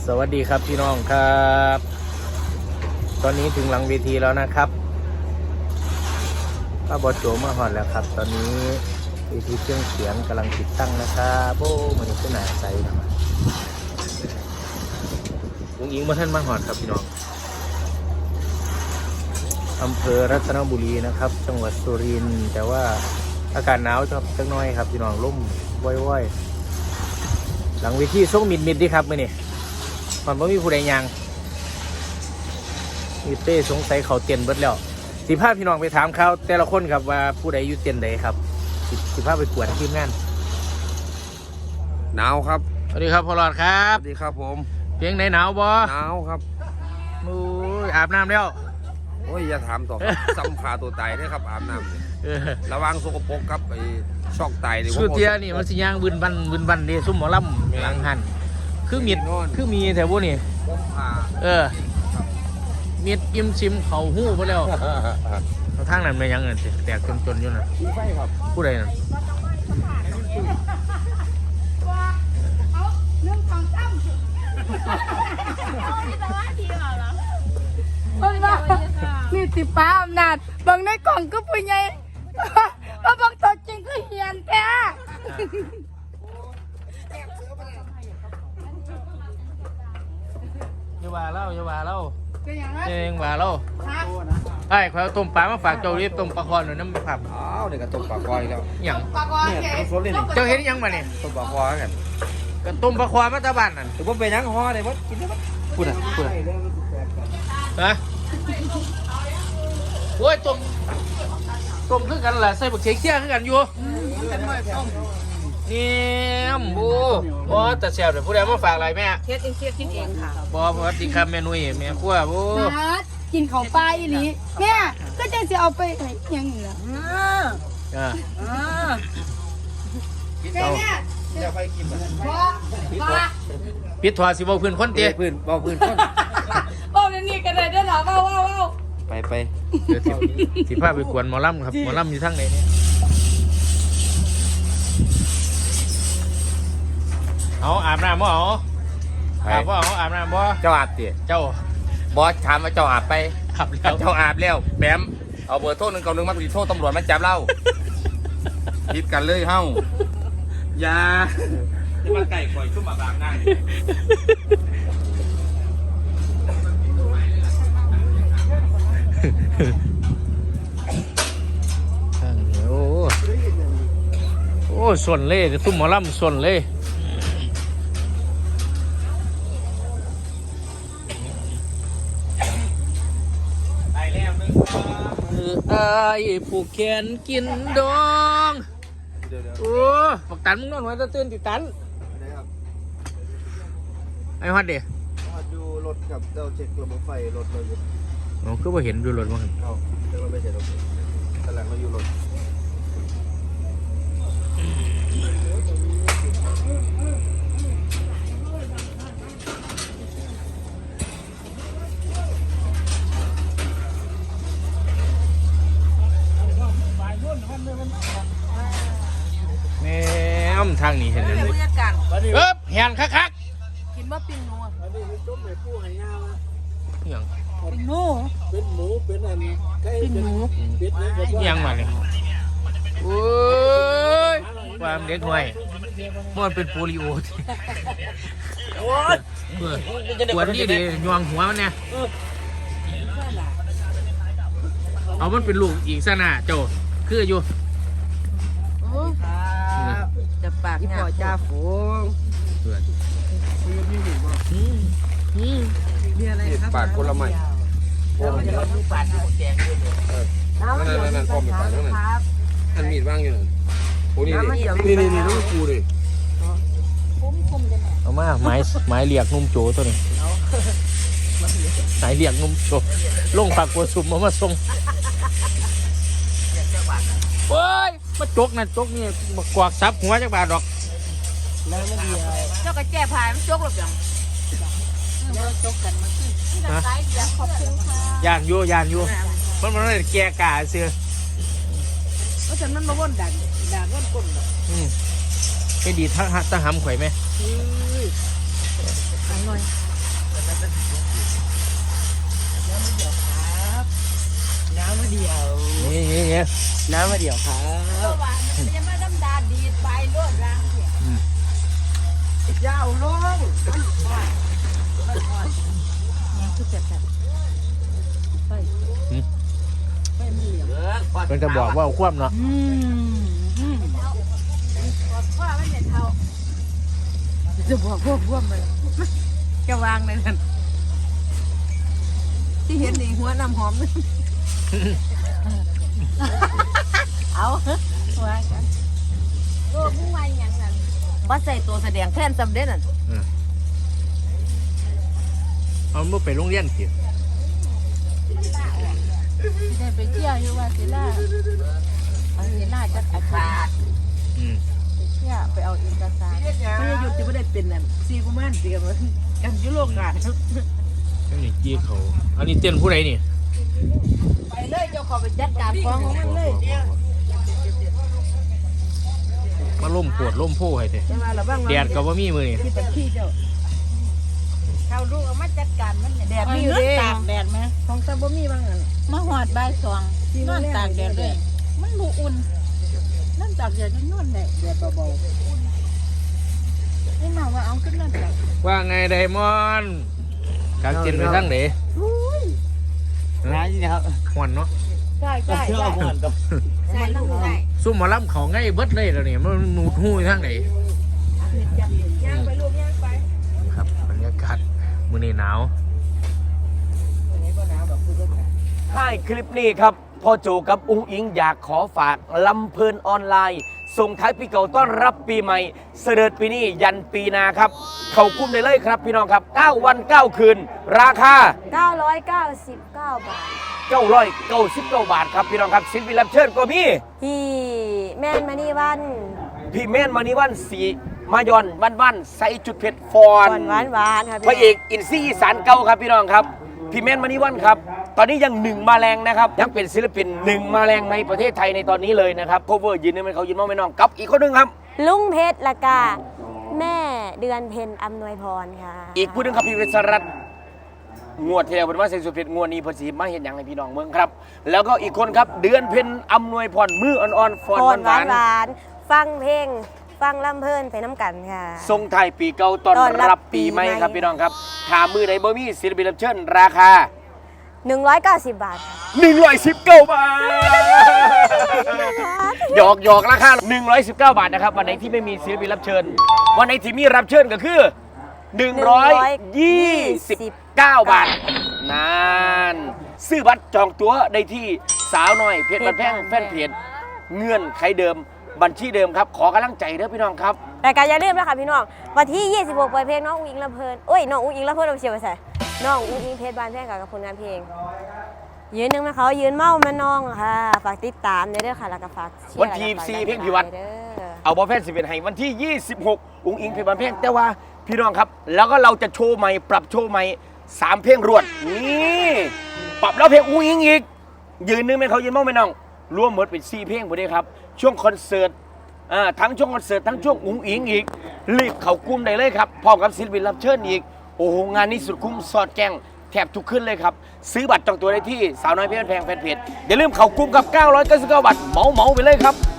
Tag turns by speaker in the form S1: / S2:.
S1: สวัสดีครับพี่น้องครับตอนนี้ถึงหลังเวทีแล้วนะครับป้าบอโจมาหอดแล้วครับตอนนี้เวทีเครื่องเสียงกำลังติดตั้งนะครับโบ้มันขึ้นหนาใจนะลุงอิงมาท่านมาหอดครับพี่น้องอำเภอรัตนบุรีนะครับจังหวัดสุรินทร์แต่ว่าอากาศหนาวจังน้อยครับพี่น้องร่มว่อยๆหลังเวทีส่งมิดดีครับมื่อนี้มันไม่มีผู้ใดยังมีเต้สงสัยเขาเตียนเบิดแล้วสิพาพี่น้องไปถามเขาแต่ละคนครับว่าผู้ใดอยู่เตียนใดครับสิพาไปกวดทีมงาน
S2: หนาวครับ
S1: สวัสดีครับพ่อหลอดครับ
S2: สวัสดีครับผม
S1: เพียงไหนหนาวบ่
S2: หนาวครับ
S1: มูอาบน้ำแล้ว
S2: โอ้ยอย่าถามต่อครับซ้ำขาตัวตายด้วยครับอาบน้ำระวังสกปรกครับไอ้ช็อกไตนี่
S1: สุดเทียนี่มันสิย่างบึนบันเดซุ่มหมอลำหลังหันคือมีแถวพวกนี้มีดอิ่มชิมเขาหู้ไปแล้วทางนั้นไม่ยังเงินแตกจนอยู่นะผู้ใดนั่น
S3: นี่ติป้าอำนาจบางในกล่องก็ผู้ใหญ่ว่าบางตัวจริงก็เหียนแท้
S1: อย่าว่าเล่าเองว่าเล่าไอ้เขาต้มปลามาฝากเจ้ารีบต้มปลาคอนหน่อยน้ำไม่ผับ
S2: อ้าวเด็กก็ต้มปลาคอยแล้ว
S1: อย่าง
S2: เนี่ยต้มซดเลยนี่
S1: เจ้าเห็นยังมาเนี่ย
S2: ต้มปลาคอยกัน
S1: ก็ต้มปลาคอนมาตะบันนั่น
S2: ถือว่าเป็นยังห่อเลยว่ากินได้ไหมพูด
S1: ฮะโอ้ยต้มคือกันแหละใส่บักเชียคือกันอยู่นี่โอ้แต่เสียบเดี๋ยวผู้ใดมาฝากอะไรแม่
S3: เฮ็ดเองกินเองค่ะ
S1: บอสวัสดีครับแม่นุ้ยแม่ขั้วโอ้
S3: กินของปลาอีหลีแม่ก็จะเอาไปยังเหรอแม่
S2: จะไปกิน
S1: ปิดถอดสิบพื้นคนเตี้ย
S2: พื้นคน
S3: บอกนี่กันเลยได้หรอว้าว
S2: ไป
S1: เดี๋ยวสิพาไปกวนหมอลำครับหมอลำอยู่ทั้งไหนเนี่ยเอาอาบน้ำบ่เอาอาบน้ำบ่
S2: เจ้าอาบเตี๋ย
S1: เจ้า
S2: บอสถามว่าเจ้าอาบไป
S1: อาบแล้ว
S2: เจ้าอาบแล้วแบมเอาเบอร์โทร191มาติดโทรตำรวจมาจับเราคิดกันเลยเฮ้าอย่าจะมาไก่ข่อยชุ่มอาบน้ำ
S1: โอ้ส่วนเล่ตุ้มหมอลำส่วนเล่ไอ้ผู้แขนกินดองโอ้ปักตันมึงนอนหัวจะตื่นติดตันไอ้ฮอดเดี๋ยว
S2: อยู่รถกับเจ้าเช็คระบบไฟรถเราอยู่
S1: อ๋อคือว่าเห็นอยู่รถมั้ง
S2: เอ้าเราไม่ใช่รถแต่หลังเราอยู่รถ
S1: แม่ทางนี้เห็นเลยแหนคัก
S3: กินว่าปิ้งนัว
S1: อย่าง
S3: ปิ้งหมู
S2: เป็นหมูเป็นอัน
S3: ปิ้งหมู
S1: ยังมาเลยโอ้ยความเด็กหน่อยมันเป็นโปลิโอปวดนี่ดิยวงหัวมันเนี่ยเอามันเป็นลูกอีกซะนะโจคืออยู่
S3: จะปากพี่พ่อจ้าฝูงมีอะไรครับ
S2: ปากคนละไม้นั่นพ่อมีปากนั่นท่านมีดว่างอยู่โอ้นี่ลูกกูดิ
S1: เอามาไม้เรียกนุ่มโจตัวนี้ไม้เรียกนุ่มโจลงปากกัวซุ่มมาส่งเฮ้ยมาจกนี่มากวากซับหัวจักบาทดอก
S3: แล้วไม่ดีเจ้ากระแจพายมันจกหรือยังจกกันมาขึ้นขอบคุณค่ะ
S1: ยานอยู่มันเลยแก่กาเสือ
S3: เพราะฉะนั้นมาว่นด่าว่นก้น
S1: ให้ดีถ้าหำข่อยไหม
S3: อร่อย
S4: น้ำมาเดี๋ยวครับ
S3: ตัวหวานมันจะมาดำดาดีดใบโลดรังเนี่ย
S4: ยาวลง
S3: ยังคือแบบไปไปมันเหลี่ยม
S1: มันจะบอกว่าเอาคว่ำเนาะ
S3: บอกว่ามันเนี่ยเท่าจะบอกพวกมันจะวางในนั้นที่เห็นในหัวน้ำหอมนึงเอาวางกันโอ้ผู้วายอย่างนั้นว่าใส่ตัวแสดงแทนสำเร็จน่ะ
S1: เอาเมื่อไปโรงเรียนสิ
S3: ได้ไปเที่ยวอยู่ว่าศิลาเอาศิลาจัดอาคาร
S1: อืม
S3: เที่ยวไปเอาเอกสารไม่ได้หยุดจะไม่ได้เป็นน่ะซีกุมารเตรียมกันยุโรปงาน
S1: อันนี้จี้เขาอันนี้เต้นผู้ใดนี่
S3: ไปเลยเจ้าขอไปจัดการฟ้องของมันเลย
S1: มาล่มปวดล่มโพให้เถอะ
S3: ใช่ไหมล่ะบ้าง
S1: แดดก็บ่มีมือนี่
S3: ที่เป็นขี้เจ้าเขาลูกเอามาจัดการมันแดดมีอยู่เด้ตากแดดไหมของตาบ่มีบ้างอ่ะมาหอดใบสองนอนตากแดดเลยมันบูอุ่นนั่นตากแดดนั่นนอนแดดเบาๆนี่มาว่าเอาขึ้นนั่นตาก
S1: ว่าไงไดมอนด์กางเต็นท์ไปทางไหน
S4: น้ำนี่ครับ
S1: หวนเนาะ
S3: ใช่ใช่
S4: เชื่อ
S3: ใช่
S4: ผมก่อนกับ
S3: ใช่ลูกใช่
S1: ซุ่มหมาล้ำเขาง่ายเบิดเลยแล้วเนี่ยมันหนูดหู้อยู่ทางไหน
S3: ย่างไปลูกย่างไป
S1: ครับบรรยากาศมื้อนี้หนาว
S4: ท้ายคลิปนี้ครับพ่อโจกับอุ้งอิงอยากขอฝากลำเพลินออนไลน์ส่งท้ายปีเก่าต้อนรับปีใหม่เสด็จปีนี้ยันปีหนาครับ เข้ากุ้มได้เลยครับพี่น้องครับ 9 วัน 9 คืน ราคา
S5: 999 บาท
S4: 999 บาทครับพี่น้องครับศิลปินรับเชิญก็มี
S5: พี่แม่นมานี่วัน
S4: พี่เม่นมานิวันสีมายอนวันใส่จุดเผ็ดฟอน
S5: หวานๆครับ
S4: พระเอกอินซี่อีสานเก่าครับพี่น้องครับพี่เม่นมานิวันครับตอนนี้ยัง1 มาแรงนะครับยังเป็นศิลปิน1 มาแรงในประเทศไทยในตอนนี้เลยนะครับโคเวอร์ยืนนึงเป็นเขายืนมองไม่น้องกับอีกคนหนึงครับ
S5: ลุงเพชรละกาแม่เดือนเพ็ญอำนวยพรค่ะ
S4: อีกผู้หนึงครับพี่เวสรัตน์งวดที่แล้วเป็นว่าใส่สุดเผ็ดงวดนี้เพอสีมาเห็นอย่างให้พี่น้องเมืองครับ แล้วก็อีกคนครับเดือนเพ็ญอำนวยพรมืออ่อนๆฟอน
S5: พร
S4: หวาน
S5: หวานๆฟังเพลง ฟังลำเพลินไปน้ำกันค่ะ
S4: ๆทรงไทายปีเก่าต้อน
S5: ต้อนรั
S4: รับบ
S5: ปี
S4: ปีใหม่
S5: ใหม่
S4: ครับพี่น้องครับถามมือไหนบ่มีศิลปินรับเชิญราคา
S5: 190 บาทค่ะ
S4: 119 บาท หยอกราคา 119 บาทนะครับ วันไหนที่ไม่มีศิลปินรับเชิญ วันไหนที่มีรับเชิญก็คือ 129 บาทนานซื้อบัตรจองตั๋วได้ที่สาวน้อยเพจบันแพงแฟนเพจเงื่อนไขเดิมบัญชีเดิมครับ ขอกำลังใจเด้อพี่น้องครับ
S5: แต่การอย่าลืมนะคะพี่น้องวันที่ 26 ปล่อยเพลงน้องอุ้งอิงลำเพลินเอ้ยน้องอุ้งอิงลำเพลินเอาเชียวไปใส่น้องอุ้งอิงเพชรบานแพงกับผลงานเพลง ยืนหนึ่งมาเขายืนเมามาน้องค่ะ ฝากติดตามเด้อค่ะแล้วก็ฝากเชียร์
S4: วันที่
S5: แล้วก็ฝาก
S4: สี่
S5: ดัน
S4: เพลงพิวัตร
S5: เด้อ
S4: เอาบอลแฟน11ให้วันที่ 26 อุ้งอิงเพลงบันเพลงแต่ว่าพี่น้องครับ แล้วก็เราจะโชว์ใหม่ปรับโชว์ใหม่3 เพลงรวดนี่ปรับแล้วเพลงอุ้งอิงอีกยืนนึงไหมเขายืนมองไหมน้องรวมหมดเป็น4 เพลงหมดเลยครับช่วงคอนเสิร์ตทั้งช่วงคอนเสิร์ตทั้งช่วงอุ้งอิงอีกรีบเข้ากลุ่มได้เลยครับพร้อมกับศิลปินรับเชิญอีกโอ้โหงานนี้สุดคุ้มสอดแกงแทบทุกขึ้นเลยครับซื้อบัตรจองตัวได้ที่สาวน้อยเพชรแพงแฟนเพจอย่าลืมเข้ากลุ่มกับ999 บาทเหมาไปเลยครับ